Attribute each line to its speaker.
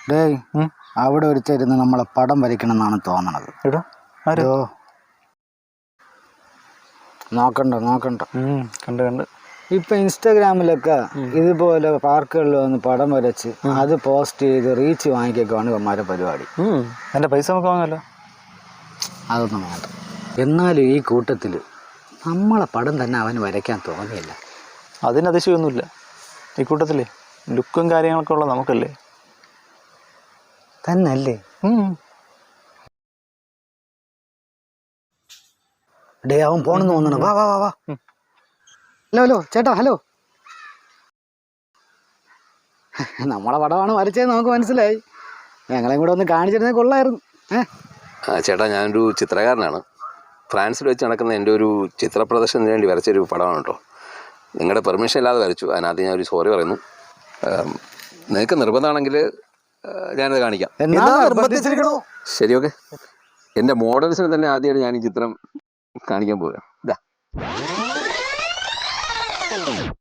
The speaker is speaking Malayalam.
Speaker 1: ഡേയ് അവിടെ ഒരുത്തിരുന്ന് നമ്മളെ പടം വരയ്ക്കണം എന്നാണ് തോന്നണത്. നോക്കണ്ട
Speaker 2: കണ്ട്
Speaker 1: ഇപ്പൊ ഇൻസ്റ്റാഗ്രാമിലൊക്കെ ഇതുപോലെ പാർക്കുകളിൽ വന്ന് പടം വരച്ച് അത് പോസ്റ്റ് ചെയ്ത് റീച്ച് വാങ്ങിക്കൊക്കെയാണ് ഇവന്മാരുടെ പരിപാടി.
Speaker 2: എൻ്റെ പൈസ നമുക്ക് വാങ്ങാമല്ലോ.
Speaker 1: അതൊന്നും വേണ്ട. എന്നാലും ഈ കൂട്ടത്തിൽ നമ്മളെ പടം തന്നെ അവന് വരയ്ക്കാൻ തോന്നിയില്ല.
Speaker 2: അതിന് അതിശയമൊന്നുമില്ല. ഈ കൂട്ടത്തിലേ ലുക്കും കാര്യങ്ങളൊക്കെ ഉള്ള നമുക്കല്ലേ.
Speaker 1: തന്നല്ലേ? ഡേ അവൻ പോണെന്ന് തോന്നണം. വാ വാ വാ വാ. ഹലോ ചേട്ടാ, ഹലോ. നമ്മളെ പടമാണ് വരച്ചത് നമുക്ക് മനസ്സിലായി. ഞങ്ങളെയും കൂടെ ഒന്ന് കാണിച്ചിരുന്നേ കൊള്ളായിരുന്നു.
Speaker 3: ചേട്ടാ, ഞാനൊരു ചിത്രകാരനാണ്. ഫ്രാൻസിൽ വെച്ച് നടക്കുന്ന എൻ്റെ ഒരു ചിത്ര പ്രദർശനത്തിന് വേണ്ടി വരച്ചൊരു പടമാണ് കേട്ടോ. നിങ്ങളുടെ പെർമിഷൻ ഇല്ലാതെ വരച്ചു. അതിനകത്ത് ഞാനൊരു സോറി പറയുന്നു. നിങ്ങൾക്ക് നിർബന്ധമാണെങ്കിൽ ഞാനത് കാണിക്കാം. ശരി, ഓക്കെ. എൻ്റെ മോഡൽസിന് തന്നെ ആദ്യമായിട്ട് ഞാൻ ഈ ചിത്രം കാണിക്കാൻ പോവുക. ഇതാ.